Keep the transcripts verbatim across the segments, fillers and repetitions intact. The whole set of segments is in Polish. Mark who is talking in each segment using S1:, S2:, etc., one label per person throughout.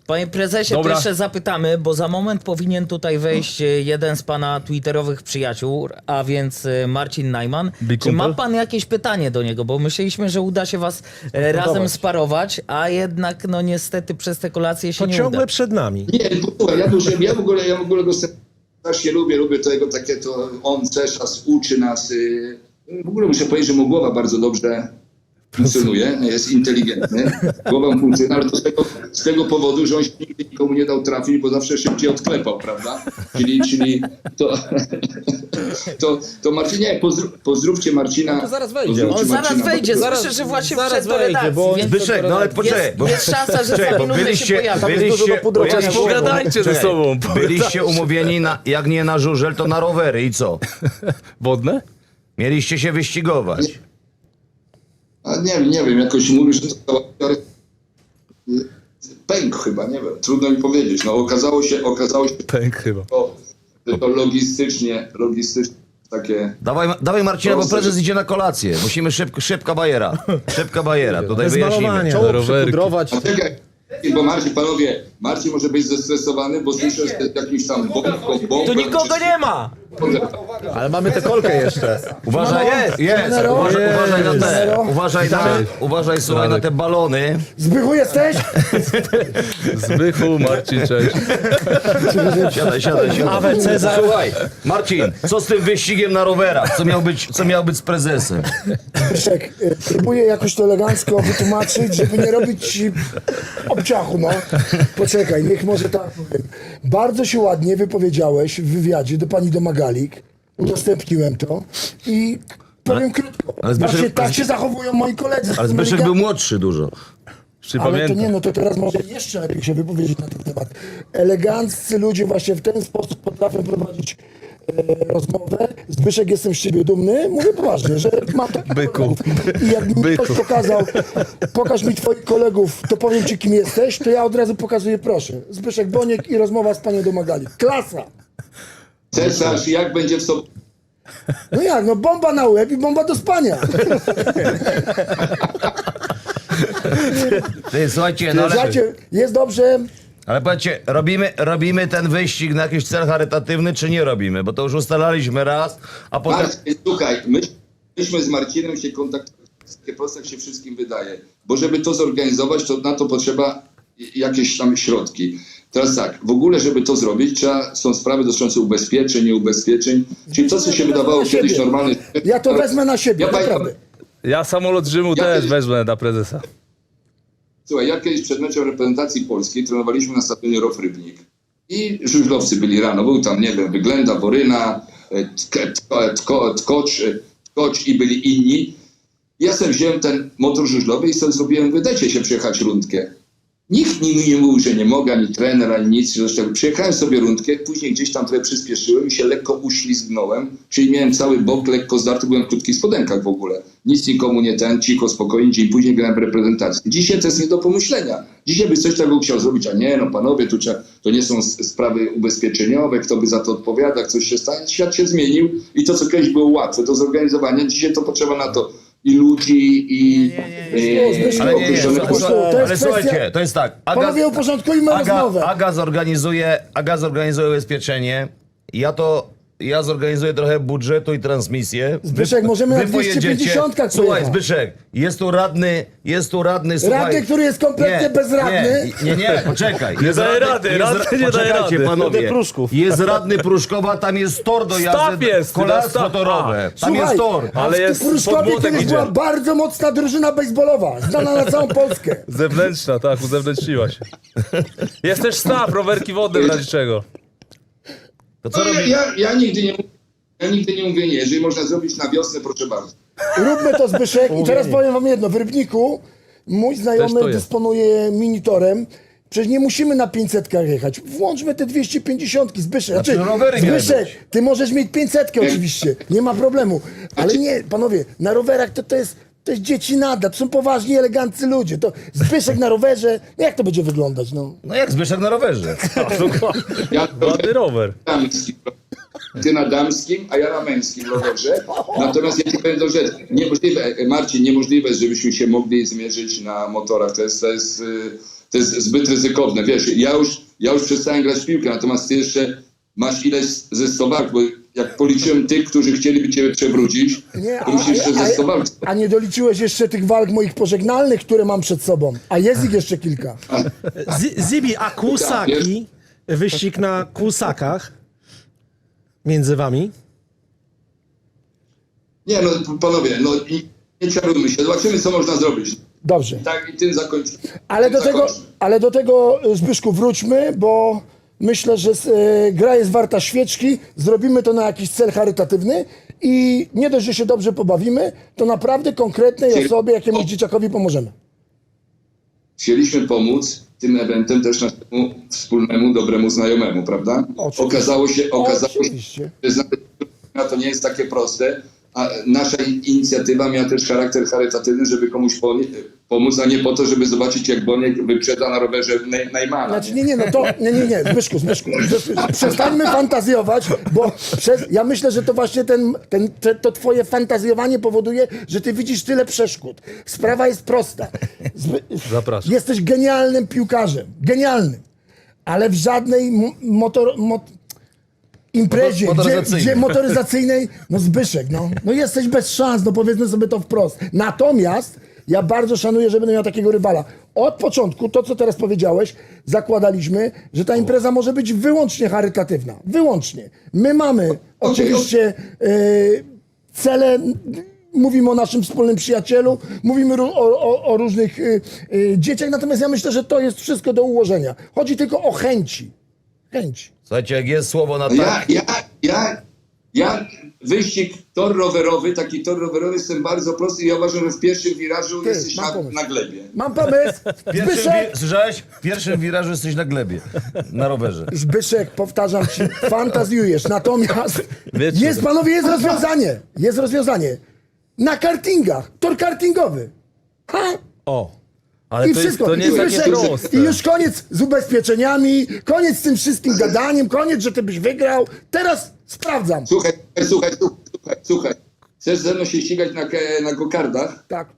S1: Panie prezesie,
S2: Dobra.
S1: to jeszcze zapytamy, bo za moment powinien tutaj wejść e, jeden z pana twitterowych przyjaciół, a więc e, Marcin Najman.
S2: Big
S1: Czy ma
S2: kumpel?
S1: pan jakieś pytanie do niego? Bo myśleliśmy, że uda się was e, razem sparować, a jednak no niestety przez te kolacje się
S3: To
S1: nie
S3: ciągle
S1: uda.
S3: przed nami.
S4: Nie, słuchaj, ja, dużo, ja w ogóle, ja w ogóle go strasznie lubię, lubię tego takie, to on też nas uczy nas. y, W ogóle muszę powiedzieć, że mu głowa bardzo dobrze funkcjonuje, jest inteligentny, głowa mu funkcjonuje, ale to z tego, z tego powodu, że on się nigdy nikomu nie dał trafić, bo zawsze szybciej odklepał, prawda? Czyli, czyli to, to, to Marcinie, pozdrów, pozdrówcie Marcina.
S3: No to zaraz wejdzie.
S4: Pozdrówcie
S1: On zaraz
S4: Marcina,
S1: wejdzie,
S4: bo-
S1: słyszę, że właśnie
S3: zaraz
S1: wszedł do
S3: wejdzie,
S1: redakcji,
S3: bo-
S1: więc
S5: Zbyszek, no ale poczekaj,
S1: jest,
S5: bo-
S1: jest szansa, że
S5: Czekaj,
S1: za
S5: bo
S1: minutę
S5: byliście-
S1: się pojawi.
S3: Tam jest dużo
S5: byliście,
S3: do pudrowania
S5: bo ja ci
S3: głowy.
S5: powiem,
S2: Pogadajcie ze
S5: czekaj,
S2: sobą.
S5: Byliście umówieni, na, jak nie na żużel, to na rowery i co?
S2: Wodne?
S5: Mieliście się wyścigować.
S4: A nie wiem, nie wiem, jakoś mówisz, że to pęk chyba, nie wiem, trudno mi powiedzieć. No okazało się, okazało się,
S2: Pęk chyba.
S4: to, że to logistycznie, logistycznie takie...
S5: Dawaj, dawaj Marcina, bo
S4: Proszę.
S5: prezes idzie na kolację. Musimy szybko, szybka bajera. Szybka bajera, tutaj
S3: Bez
S5: wyjaśnimy.
S3: malowania.
S2: Na
S3: Czoło
S2: rowerki.
S3: przypudrować.
S4: A czekaj, bo Marcin, panowie, Marcin może być zestresowany, bo słyszę, że jest jakiś tam bombką, bombą.
S1: Tu nikogo nie ma!
S3: Ale mamy tę kolkę jeszcze.
S5: Uważaj, jest, jest. Uważaj, uważaj na te, uważaj na, uważaj słuchaj na te balony.
S6: Zbychu jesteś?
S2: Zbychu, Marcin, cześć.
S5: Siadaj, siadaj, siadaj.
S3: Awe Cezar.
S5: Słuchaj, Marcin, co z tym wyścigiem na rowerach? Co miał być, co miał być z prezesem?
S6: Zbyszek, y, próbuję jakoś to elegancko wytłumaczyć, żeby nie robić ci obciachu, no. Poczekaj, niech może tak powiem. Bardzo się ładnie wypowiedziałeś w wywiadzie do pani Domagalik. Udostępniłem to i powiem krótko.
S5: ale Zbyszek-
S6: Właśnie tak się zachowują moi koledzy.
S5: Ale Zbyszek był młodszy dużo.
S2: Czy
S6: Ale to nie,
S2: pamiętam?
S6: no to teraz może jeszcze lepiej się wypowiedzieć na ten temat. Eleganccy ludzie właśnie w ten sposób potrafią prowadzić e, rozmowę. Zbyszek, jestem z ciebie dumny. Mówię poważnie, że mam takich
S2: Byku.
S6: kolegów. I jak mi
S2: Byku.
S6: ktoś pokazał, pokaż mi twoich kolegów, to powiem ci, kim jesteś, to ja od razu pokazuję, proszę. Zbyszek Boniek i rozmowa z panią Domagalik. Klasa!
S4: Cesarz, jak będzie w sobotę?
S6: No jak, no bomba na łeb i bomba do spania.
S5: Ty, słuchajcie, no ale,
S6: Słuchajcie, jest dobrze.
S5: ale powiedzcie, robimy, robimy ten wyścig na jakiś cel charytatywny, czy nie robimy? Bo to już ustalaliśmy raz, a potem...
S4: Marcin, słuchaj, my, myśmy z Marcinem się kontaktowali, takie proste jak się wszystkim wydaje, bo żeby to zorganizować, to na to potrzeba jakieś tam środki. Teraz tak, w ogóle, żeby to zrobić, trzeba, są sprawy dotyczące ubezpieczeń, nieubezpieczeń, czyli to, co się wydawało
S6: Na
S4: kiedyś
S6: siebie.
S4: normalne.
S6: Ja to wezmę na siebie,
S4: Ja pamiętam,
S6: naprawdę.
S2: Ja samolot Rzymu
S4: Ja
S2: też
S4: kiedyś-
S2: wezmę na prezesa.
S4: Słuchaj, ja kiedyś przed meczem reprezentacji polskiej trenowaliśmy na stadionie Rof Rybnik i żużlowcy byli rano, był tam, nie wiem, Wyględa, Boryna, e, Tk- Tko- Tko- Tkocz, e, Tkocz i byli inni. Ja sobie wziąłem ten motor żużlowy i sobie zrobiłem, wydajcie się przejechać rundkę. Nikt mi nie mówił, że nie mogę, ani trener, ani nic. Zresztą przyjechałem sobie rundkę, później gdzieś tam trochę przyspieszyłem i się lekko uślizgnąłem, czyli miałem cały bok lekko zdarty, byłem w krótkich spodenkach w ogóle. Nic nikomu nie ten, cicho, spokojnie, dzień później grałem w reprezentacji. Dzisiaj to jest nie do pomyślenia. Dzisiaj by coś takiego chciał zrobić, a nie, no panowie, tu trzeba, to nie są s- sprawy ubezpieczeniowe, kto by za to odpowiada, jak coś się stanie. Świat się zmienił i to, co kiedyś było łatwe do zorganizowania, dzisiaj to potrzeba na to i ludzi, i... e,
S6: Zbyszku,
S5: Ale nie, nie,
S6: Zbyszku,
S5: słuchaj,
S6: to
S5: słuchaj,
S6: jest
S5: ale
S6: kwestia-
S5: słuchajcie, to jest tak. Aga,
S6: Panowie, uporządkujmy
S5: Aga,
S6: rozmowę.
S5: Aga, zorganizuje, Aga zorganizuje ubezpieczenie. Ja to... Ja zorganizuję trochę budżetu i transmisję.
S6: Zbyszek, możemy na
S5: pojedziecie-
S6: dwieście pięćdziesiątkach
S5: Słuchaj,
S6: pojechać.
S5: Zbyszek, jest tu radny, jest tu radny, słuchaj.
S6: Radny, który jest kompletnie bezradny.
S5: Nie, nie, nie, poczekaj.
S2: Nie daje rady,
S5: jest
S2: radny
S5: ra-
S2: nie daje
S5: poczekajcie,
S2: rady.
S5: panowie.
S3: Radny Pruszków.
S5: Jest radny Pruszkowa, tam jest tor do
S2: Staw
S5: jazdy,
S2: jest,
S5: kolarstwo
S2: staw.
S5: torowe. Tam
S6: Słuchaj,
S5: jest tor.
S6: a
S2: Ale
S6: w
S2: jest
S6: Pruszkowie
S2: pod młotek
S6: kiedyś
S2: idzie.
S6: była bardzo mocna drużyna baseballowa, znana na całą Polskę.
S2: Zewnętrzna, tak, uzewnętrzniła się. Jest też staw, rowerki wodne w razie czego.
S5: To co
S4: No, ja,
S5: robi?
S4: ja, ja, nigdy nie, ja nigdy nie mówię nie. Jeżeli można zrobić na wiosnę, proszę bardzo.
S6: Róbmy to, Zbyszek. I teraz powiem wam jedno. W Rybniku mój
S2: Też
S6: znajomy
S2: to jest.
S6: dysponuje minitorem. Przecież nie musimy na pięćsetkach jechać. Włączmy te dwieście pięćdziesiątki, Zbyszek.
S5: Znaczy,
S6: Znaczy,
S5: rowery miały
S6: Zbyszek,
S5: być.
S6: ty możesz mieć pięćsetkę oczywiście. Nie ma problemu. Ale nie, panowie, na rowerach to, to jest... To jest dziecinada, to są poważni, eleganccy ludzie. To Zbyszek na rowerze, no jak to będzie wyglądać, no?
S5: No jak Zbyszek na rowerze.
S4: Ja
S2: Ładny rower.
S4: damskim, ty na damskim, a ja na męskim rowerze. Natomiast ja ci powiem do rzeczy. Niemożliwe, Marcin, niemożliwe, żebyśmy się mogli zmierzyć na motorach. To jest, to jest, y, to jest zbyt ryzykowne. Wiesz, ja już, ja już przestałem grać w piłkę, natomiast ty jeszcze masz ileś ze sto walk, bo jak policzyłem tych, którzy chcieliby ciebie przewrócić,
S6: Nie,
S4: to musisz jeszcze ze sto walk.
S6: a nie doliczyłeś jeszcze tych walk moich pożegnalnych, które mam przed sobą. A jest ich jeszcze kilka.
S7: Z- Zibi, a kłusaki, wyścig na kłusakach między wami?
S4: Nie no, panowie, no i nie czarujmy się, zobaczymy co można zrobić.
S6: Dobrze.
S4: Tak i tym zakończymy.
S6: Ale do
S4: Tym
S6: tego,
S4: zakończmy.
S6: ale do tego Zbyszku wróćmy, bo myślę, że e, gra jest warta świeczki. Zrobimy to na jakiś cel charytatywny i nie dość, że się dobrze pobawimy, to naprawdę konkretnej
S4: Chcieli-
S6: osobie, jakiemuś dzieciakowi pomożemy.
S4: Chcieliśmy pomóc tym eventem też naszemu wspólnemu, dobremu znajomemu, prawda?
S6: Oczywiście.
S4: Okazało się, okazało się,
S6: Oczywiście.
S4: że znalezienie to nie jest takie proste, a nasza inicjatywa miała też charakter charytatywny, żeby komuś po- pomóc, a nie po to, żeby zobaczyć, jak Boniek wyprzedza na rowerze Ney- Neymana.
S6: Znaczy nie, nie, no to, nie, nie, nie, Zbyszku, Zbyszku, Zbyszku, przestańmy fantazjować, bo przez, ja myślę, że to właśnie ten, ten, te, to twoje fantazjowanie powoduje, że ty widzisz tyle przeszkód. Sprawa jest prosta. Zby,
S2: Zapraszam.
S6: Jesteś genialnym piłkarzem, genialnym, ale w żadnej mo- motor, mot, imprezie,
S5: Motor-
S6: gdzie,
S5: motoryzacyjnej.
S6: gdzie motoryzacyjnej, no Zbyszek, no, no jesteś bez szans, no powiedzmy sobie to wprost. Natomiast ja bardzo szanuję, że będę miał takiego rywala. Od początku, to co teraz powiedziałeś, zakładaliśmy, że ta impreza może być wyłącznie charytatywna. Wyłącznie. My mamy oczywiście e, cele, mówimy o naszym wspólnym przyjacielu, mówimy ró- o, o, o różnych e, e, dzieciach, natomiast ja myślę, że to jest wszystko do ułożenia. Chodzi tylko o chęci. Chęci.
S5: Słuchajcie, jak jest słowo na
S4: No ja,
S5: tak,
S4: ja, ja, ja wyścig tor rowerowy, taki tor rowerowy jestem bardzo prosty i ja uważam, że w pierwszym wirażu
S6: Ty,
S4: jesteś
S6: mam
S4: na,
S6: pomysł.
S4: na glebie.
S6: Mam pomysł.
S5: w pierwszym,
S6: Zbyszek,
S5: wi- słyszałeś? W pierwszym wirażu jesteś na glebie, na rowerze.
S6: Zbyszek, powtarzam ci, fantazjujesz. Natomiast
S2: Wiecie.
S6: jest, panowie, jest rozwiązanie. Jest rozwiązanie. Na kartingach. Tor kartingowy. Ha?
S7: O,
S2: Ale
S6: I
S2: to, jest,
S6: wszystko.
S2: to nie
S6: I,
S2: jest takie
S6: Zbyszek,
S2: proste.
S6: I już koniec z ubezpieczeniami, koniec z tym wszystkim gadaniem, koniec, że ty byś wygrał. Teraz sprawdzam.
S4: Słuchaj, słuchaj, słuchaj, słuchaj. Chcesz ze mną się ścigać na, ke- na gokardach?
S6: Tak.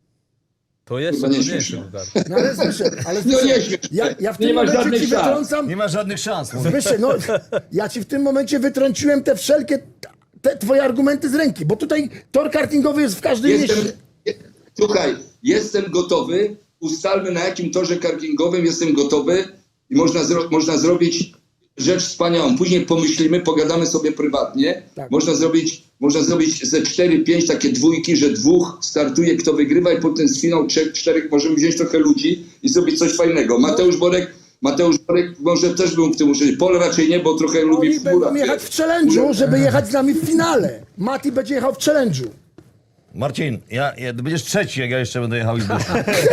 S2: To jeszcze
S4: Chyba nie
S2: trudniejsze.
S4: śmieszne.
S2: Bogdan.
S6: No ale Zbyszek, ale
S4: No nie
S6: Zbyszek,
S4: śmiesz
S6: ja,
S4: się.
S6: ja w
S4: Nie
S6: tym
S4: masz
S6: momencie
S4: żadnych
S6: ci
S4: szans.
S6: wytrącam.
S5: Nie ma żadnych szans. mówię.
S6: Zbyszek, no ja ci w tym momencie wytrąciłem te wszelkie te twoje argumenty z ręki, bo tutaj tor kartingowy jest w każdym
S4: Jestem,
S6: mieście.
S4: słuchaj, jestem gotowy. Ustalmy, na jakim torze kartingowym jestem gotowy i można, zro, można zrobić rzecz wspaniałą. Później pomyślimy, pogadamy sobie prywatnie.
S6: Tak.
S4: Można zrobić, można zrobić ze cztery pięć takie dwójki, że dwóch startuje, kto wygrywa i potem z finał trzech, czterech możemy wziąć trochę ludzi i zrobić coś fajnego. Mateusz Borek, Mateusz Borek może też bym w tym uczyć. Pol raczej nie, bo trochę lubi
S6: Oni
S4: w
S6: będą
S4: górach.
S6: jechać w challenge'u, żeby jechać z nami w finale. Mati będzie jechał w challenge'u.
S5: Marcin, ja, ja, ty będziesz trzeci, jak ja jeszcze będę jechał i Zbyszek.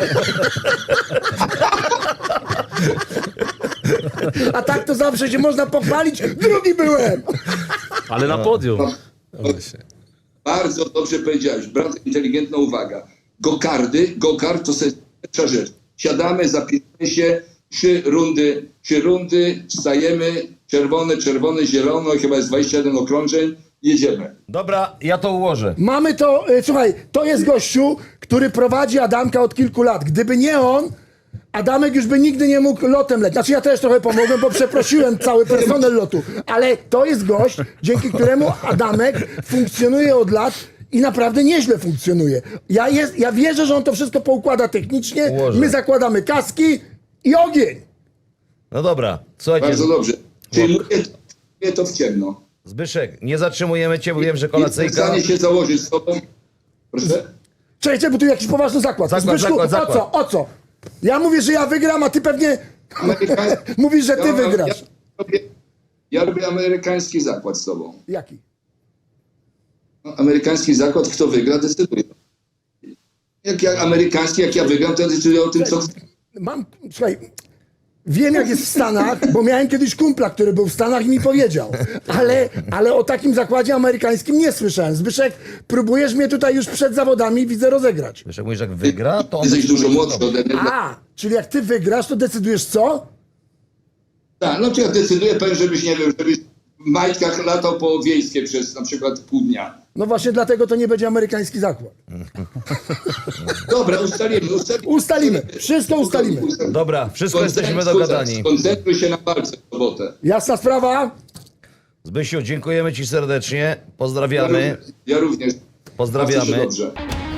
S6: A tak to zawsze się można pochwalić. Drugi byłem.
S2: Ale na podium.
S4: Bardzo dobrze powiedziałeś, bardzo inteligentna uwaga. Gokardy, gokard to jest pierwsza rzecz. Siadamy, zapisamy się, trzy rundy, trzy rundy, wstajemy, czerwone, czerwone, zielono, chyba jest dwadzieścia jeden okrążeń, jedziemy.
S5: Dobra, ja to ułożę.
S6: Mamy to, y, słuchaj, to jest gościu, który prowadzi Adamka od kilku lat. Gdyby nie on, Adamek już by nigdy nie mógł lotem lecieć. Znaczy ja też trochę pomogłem, bo przeprosiłem cały personel lotu. Ale to jest gość, dzięki któremu Adamek funkcjonuje od lat i naprawdę nieźle funkcjonuje. Ja, jest, ja wierzę, że on to wszystko poukłada technicznie.
S5: Ułożę.
S6: My zakładamy kaski i ogień.
S5: No dobra, słuchajcie,
S4: Bardzo dobrze. Czyli mówię to, mówię to w ciemno.
S5: Zbyszek, nie zatrzymujemy cię, bo wiem, że
S4: Jestem w
S5: kolacyjka...
S4: stanie się założyć z tobą. Proszę?
S6: Czekajcie, bo tu jakiś poważny zakład.
S5: Zakład,
S6: Zbyszku,
S5: zakład, zakład.
S6: o co, o co? Ja mówię, że ja wygram, a ty pewnie
S4: Amerykań-
S6: mówisz, że ty
S4: Ja-
S6: wygrasz.
S4: Ja robię, ja robię amerykański zakład z tobą.
S6: Jaki?
S4: No, amerykański zakład, kto wygra, decyduje. Jak ja amerykański, jak ja wygram, to decyduję o tym, co chcę.
S6: Mam, słuchaj, wiem jak jest w Stanach, bo miałem kiedyś kumpla, który był w Stanach i mi powiedział, ale, ale o takim zakładzie amerykańskim nie słyszałem. Zbyszek, próbujesz mnie tutaj już przed zawodami, widzę, rozegrać.
S5: Zbyszek, mówisz, jak wygra, to on...
S4: Jesteś
S5: decyduje,
S4: dużo
S5: co
S4: młodszy
S5: robi.
S4: ode mnie.
S6: A, czyli jak ty wygrasz, to decydujesz co?
S4: Tak, no to ja decyduję, powiem, żebyś, nie wiem, żebyś majtkach latał po wiejskie przez na przykład pół dnia.
S6: No właśnie dlatego to nie będzie amerykański zakład.
S4: Dobra, ustalimy, ustalimy.
S6: Ustalimy, wszystko ustalimy.
S5: Dobra, wszystko jesteśmy dogadani.
S4: Skoncentruj się na walce w sobotę.
S6: Jasna sprawa?
S5: Zbysiu, dziękujemy ci serdecznie. Pozdrawiamy.
S4: Ja również.
S5: Pozdrawiamy.
S4: Dobrze.